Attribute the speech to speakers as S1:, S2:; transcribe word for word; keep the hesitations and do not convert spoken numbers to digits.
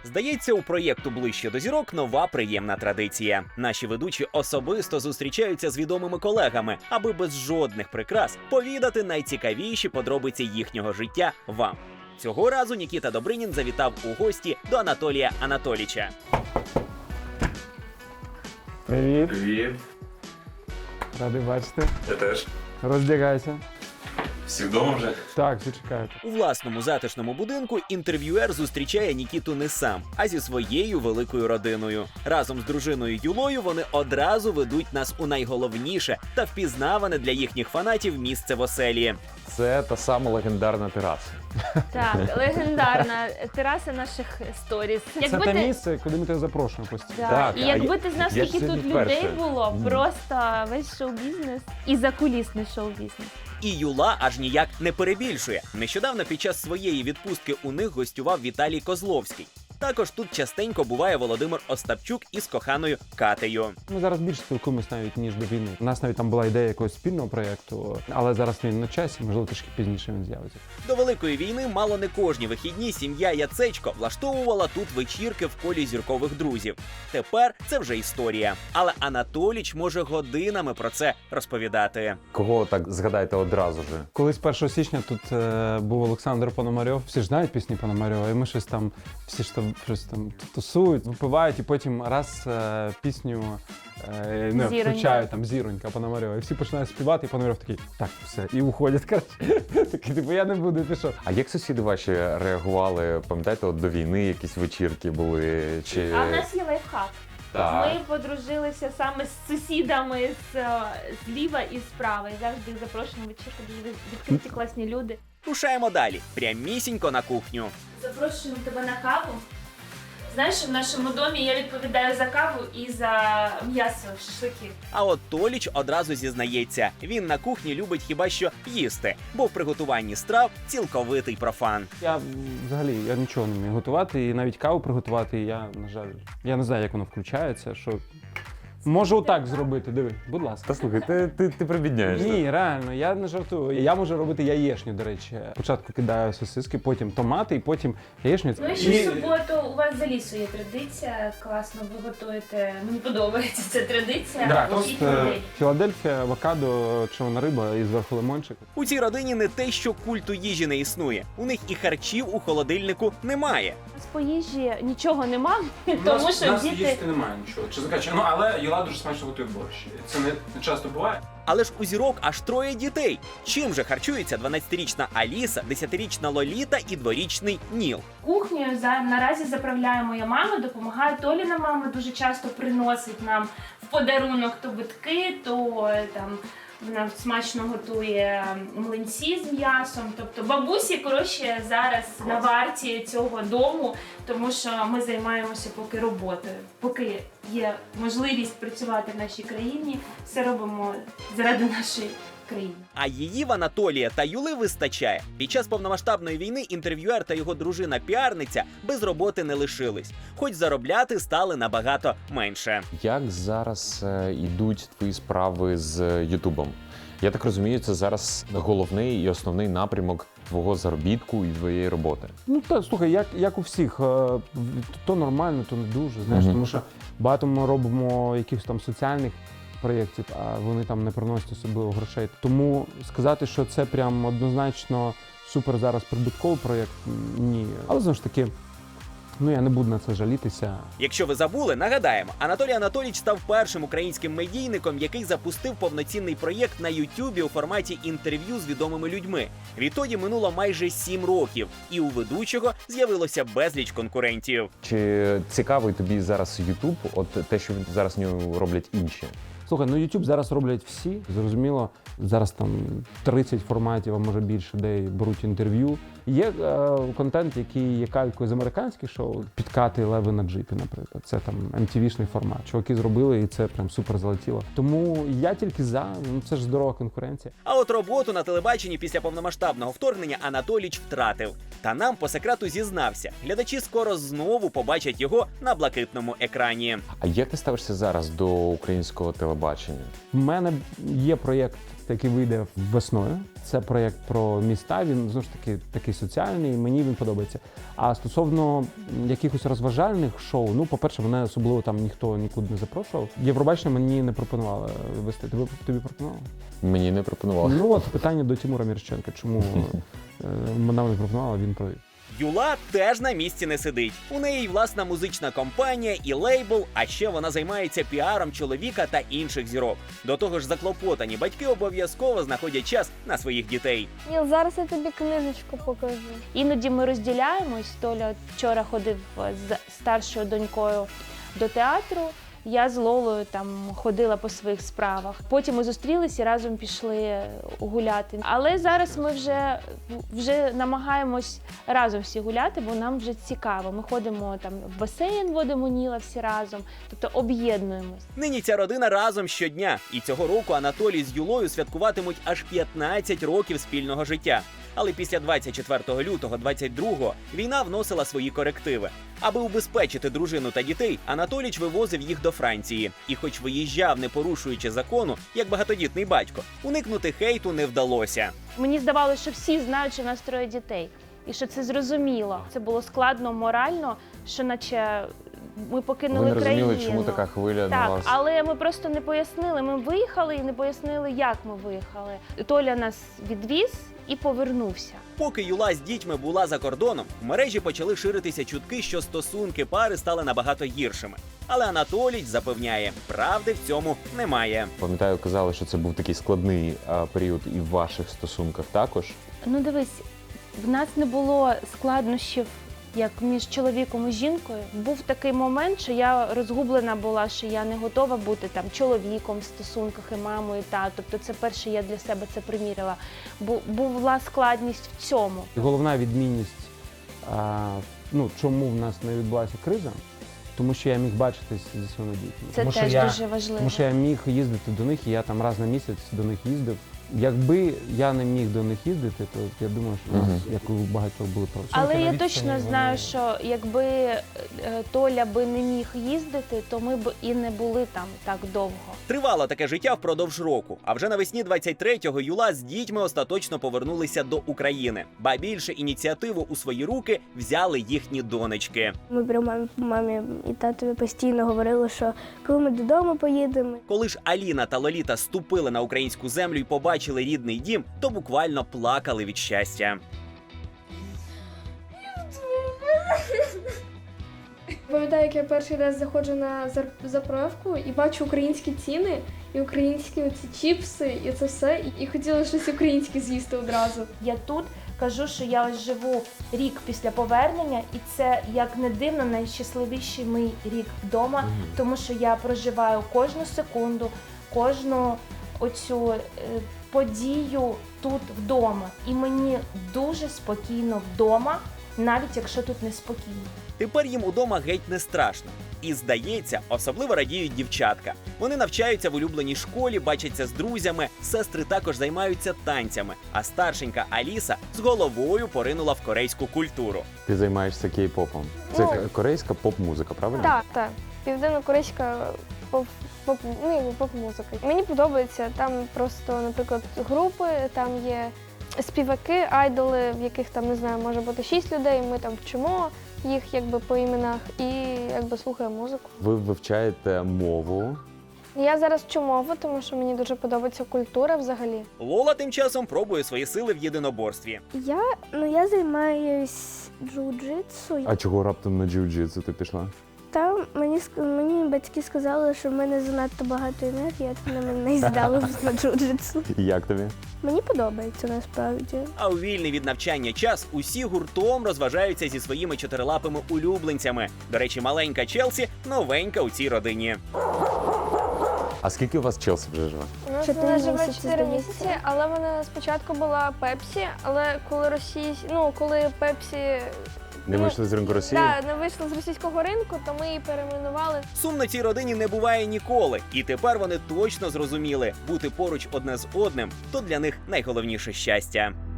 S1: Здається, у проєкту «Ближче до зірок» нова приємна традиція. Наші ведучі особисто зустрічаються з відомими колегами, аби без жодних прикрас повідати найцікавіші подробиці їхнього життя вам. Цього разу Нікіта Добринін завітав у гості до Анатолія Анатолійча.
S2: Привіт.
S3: Привіт.
S2: Радий бачити.
S3: Я теж.
S2: Роздягайся.
S3: Всі вдома вже?
S2: Так, всі чекають.
S1: У власному затишному будинку інтерв'юер зустрічає Нікіту не сам, а зі своєю великою родиною. Разом з дружиною Юлою вони одразу ведуть нас у найголовніше та впізнаване для їхніх фанатів місце в оселі.
S4: Це та сама легендарна тераса.
S5: Так, легендарна тераса наших сторіс.
S2: Це те місце, куди ми тебе запрошуємо постійно.
S5: Да.
S4: Так,
S5: І
S4: а
S5: якби
S4: я-
S5: ти знав,
S4: я ж
S5: скільки тут
S4: сьогодні
S5: людей
S4: вперше.
S5: було,
S4: Мгм.
S5: просто весь шоу-бізнес і закулісний шоу-бізнес.
S1: І Юла аж ніяк не перебільшує. Нещодавно під час своєї відпустки у них гостював Віталій Козловський. Також тут частенько буває Володимир Остапчук із коханою Катею.
S2: Ми зараз більше спілкуємося навіть, ніж до війни. У нас навіть там була ідея якогось спільного проєкту, але зараз він на часі, можливо, трішки пізніше він з'явиться.
S1: До Великої війни мало не кожні вихідні сім'я Яцечко влаштовувала тут вечірки в колі зіркових друзів. Тепер це вже історія. Але Анатоліч може годинами про це розповідати.
S4: Кого так згадаєте одразу ж?
S2: Колись першого січня тут е, був Олександр Пономарьов. Всі ж знають пісні Пономарьова, і ми щось там, всі ж там щось там тусують, випивають, і потім раз е, пісню е, не,
S5: Зіронька.
S2: включають там Зіронька Пономарьова, і всі починають співати, і Пономарьов такий, так, все, і уходять, коротше. Такий, типу, я не буду, ти що?
S4: А як сусіди ваші реагували? Пам'ятаєте, от до війни якісь вечірки були? Чи...
S5: А в нас є лайфхак.
S4: Так.
S5: Ми подружилися саме з сусідами з, е, зліва і справа. І завжди запрошуємо вечірку, дуже відкриті класні люди.
S1: Рушаємо далі, прямісінько на кухню.
S5: Запрошуємо тебе на каву. Знаєш, в нашому домі я відповідаю за каву і за м'ясо, шашлики.
S1: А от Толіч одразу зізнається, він на кухні любить хіба що їсти, бо в приготуванні страв цілковитий профан.
S2: Я м, взагалі я нічого не вмію готувати, і навіть каву приготувати, я, на жаль, я не знаю, як воно включається, що... Можу отак зробити, диви, будь лааска.
S4: Та слухай, ти, ти, ти прибідняєшся.
S2: Ні, реально, я не жартую. Я можу робити яєчню, до речі. Спочатку кидаю сосиски, потім томати, і потім яєчню.
S5: Ну і ще в суботу у вас за лісу є традиція, класно ви готуєте. Мені подобається ця традиція.
S2: Да,
S5: Вчіть
S2: тост, е,
S5: людей.
S2: Філадельфія, авокадо, червона риба і зверху лимончик.
S1: У цій родині не те, що культу їжі не існує. У них і харчів у холодильнику немає.
S5: У нас по їжі нічого нема, тому що діти...
S6: немає нічого, чесно кажучи. Ну, але Юла дуже смачно готує борщ. Це не, не часто буває.
S1: Але ж у зірок аж троє дітей. Чим же харчується дванадцятирічна Аліса, десятирічна Лоліта і дворічний Ніл?
S5: Кухнею за, наразі заправляє моя мама, допомагає Толіна мама, дуже часто приносить нам в подарунок то битки, то е, там вона смачно готує млинці з м'ясом. Тобто бабусі, коротше, зараз на варті цього дому, тому що ми займаємося поки роботою. Поки є можливість працювати в нашій країні, все робимо заради нашої країни.
S1: А її в Анатолія та Юли вистачає. Під час повномасштабної війни інтерв'юер та його дружина-піарниця без роботи не лишились. Хоч заробляти стали набагато менше.
S4: Як зараз е, йдуть твої справи з Ютубом? Я так розумію, це зараз головний і основний напрямок твого заробітку і твоєї роботи.
S2: Ну та слухай, як, як у всіх, е, то нормально, то не дуже. Знаєш,
S4: Мгм.
S2: тому що багато ми робимо якихось там соціальних проєктів, а вони там не приносять особливо грошей. Тому сказати, що це прям однозначно супер зараз прибутковий проєкт, ні. Але знову ж таки, ну я не буду на це жалітися.
S1: Якщо ви забули, нагадаємо, Анатолій Анатолійович став першим українським медійником, який запустив повноцінний проєкт на Ютубі у форматі інтерв'ю з відомими людьми. Відтоді минуло майже сім років, і у ведучого з'явилося безліч конкурентів.
S4: Чи цікавий тобі зараз Ютуб, от те, що зараз в ньому роблять інші?
S2: Слухай, ну YouTube зараз роблять всі. Зрозуміло, зараз там тридцять форматів, а може більше, де беруть інтерв'ю. Є е, контент, який є калькою з американських шоу, підкати леви на джипі, наприклад. Це там ем ті ві-шний формат. Чуваки зробили, і це прям супер залетіло. Тому я тільки за, ну це ж здорова конкуренція.
S1: А от роботу на телебаченні після повномасштабного вторгнення Анатоліч втратив. Та нам по секрету зізнався. Глядачі скоро знову побачать його на блакитному екрані.
S4: А як ти ставишся зараз до українського телебачення?
S2: У мене є проєкт який вийде весною. Це проєкт про міста. Він знову ж таки такий соціальний. Мені він подобається. А стосовно якихось розважальних шоу, ну, по-перше, мене особливо там ніхто нікуди не запрошував. Євробачення мені не пропонували вести. Тобі, тобі пропонували?
S4: Мені не пропонували.
S2: Ну от питання до Тимура Мірошниченка. Чому е, вона не пропонувала, він провів.
S1: Юла теж на місці не сидить. У неї й власна музична компанія і лейбл, а ще вона займається піаром чоловіка та інших зірок. До того ж, заклопотані батьки обов'язково знаходять час на своїх дітей.
S7: Ніл, зараз я тобі книжечку покажу.
S5: Іноді ми розділяємось. Толя вчора ходив з старшою донькою до театру. Я з Лолою там ходила по своїх справах. Потім ми зустрілися і разом пішли гуляти. Але зараз ми вже, вже намагаємось разом всі гуляти, бо нам вже цікаво. Ми ходимо там в басейн, водимо Ніла всі разом, тобто об'єднуємось.
S1: Нині ця родина разом щодня. І цього року Анатолій з Юлою святкуватимуть аж п'ятнадцять років спільного життя. Але після двадцять четвертого лютого двадцять другого війна вносила свої корективи. Аби убезпечити дружину та дітей, Анатоліч вивозив їх до Франції. І хоч виїжджав, не порушуючи закону, як багатодітний батько, уникнути хейту не вдалося.
S5: Мені здавалося, що всі знають, що в нас троє дітей. І що це зрозуміло. Це було складно морально, що наче ми покинули
S4: Ви не розуміли,
S5: країну.
S4: чому така хвиля на
S5: Так,
S4: вас?
S5: але ми просто не пояснили. Ми виїхали і не пояснили, як ми виїхали. Толя нас відвіз і повернувся.
S1: Поки Юла з дітьми була за кордоном, в мережі почали ширитися чутки, що стосунки пари стали набагато гіршими. Але Анатолій запевняє, правди в цьому немає.
S4: Пам'ятаю, казали, що це був такий складний а, період і в ваших стосунках також.
S5: Ну дивись, в нас не було складнощів, як між чоловіком і жінкою. Був такий момент, що я розгублена була, що я не готова бути там чоловіком в стосунках і мамою, та тобто це перше я для себе це приміряла. Бу- була складність в цьому.
S2: І головна відмінність, а, ну, чому в нас не відбулася криза, тому що я міг бачитись зі своїми дітьми.
S5: Це
S2: тому, що
S5: теж
S2: я,
S5: дуже важливо.
S2: Тому що я міг їздити до них, і я там раз на місяць до них їздив. Якби я не міг до них їздити, то я думаю, що у нас,
S4: Мгм.
S2: як у багатьох, були проблеми.
S5: Але я
S2: На
S5: точно
S2: відстані
S5: знаю,
S2: вони-
S5: що якби е, Толя би не міг їздити, то ми б і не були там так довго.
S1: Тривало таке життя впродовж року. А вже навесні двадцять третього Юла з дітьми остаточно повернулися до України. Ба більше ініціативу у свої руки взяли їхні донечки.
S7: Ми при мамі, мамі і татові постійно говорили, що коли ми додому поїдемо.
S1: Коли ж Аліна та Лоліта ступили на українську землю і побачили рідний дім, то буквально плакали від щастя.
S8: Пам'ятаю, як я перший раз заходжу на зар- заправку і бачу українські ціни, і українські оці чіпси, і це все. І хотіла щось українське з'їсти одразу.
S5: Я тут кажу, що я ось живу рік після повернення, і це, як не дивно, найщасливіший мій рік вдома, тому що я проживаю кожну секунду, кожну оцю е, подію тут вдома. І мені дуже спокійно вдома, навіть якщо тут неспокійно.
S1: Тепер їм удома геть не страшно. І, здається, особливо радіють дівчатка. Вони навчаються в улюбленій школі, бачаться з друзями, сестри також займаються танцями, а старшенька Аліса з головою поринула в корейську культуру.
S4: Ти займаєшся кей-попом. Це
S7: Ну,
S4: корейська поп-музика, правильно?
S7: Так, так. Південно-корейська поп, поп, ну, якби поп-музика. Мені подобається. Там просто, наприклад, групи, там є співаки, айдоли, в яких там, не знаю, може бути шість людей. Ми там вчимо їх якби по іменах і якби слухаємо музику.
S4: Ви вивчаєте мову.
S7: Я зараз вчу мову, тому що мені дуже подобається культура взагалі.
S1: Лола тим часом пробує свої сили в єдиноборстві.
S7: Я, ну, я займаюсь джиу-джитсу.
S4: А чого раптом на джиу-джитсу ти пішла?
S7: Там мені, ск- мені батьки сказали, що в мене занадто багато енергії, а на мене і здали на джиу-джитсу.
S4: І як тобі?
S7: Мені подобається насправді.
S1: А у вільний від навчання час усі гуртом розважаються зі своїми чотирилапими улюбленцями. До речі, маленька Челсі новенька у цій родині.
S4: А скільки у вас Челсі вже живе?
S7: У нас
S8: Чотири
S7: вона живе
S8: місяці,
S7: чотири
S8: здається.
S7: місяці, але вона спочатку була Пепсі, але коли Росії, ну коли Пепсі
S4: Не
S7: Ну,
S4: вийшли з ринку Росії?
S7: да, не вийшла з російського ринку, то ми її перейменували.
S1: Сумно цій родині не буває ніколи. І тепер вони точно зрозуміли, бути поруч одне з одним – то для них найголовніше щастя.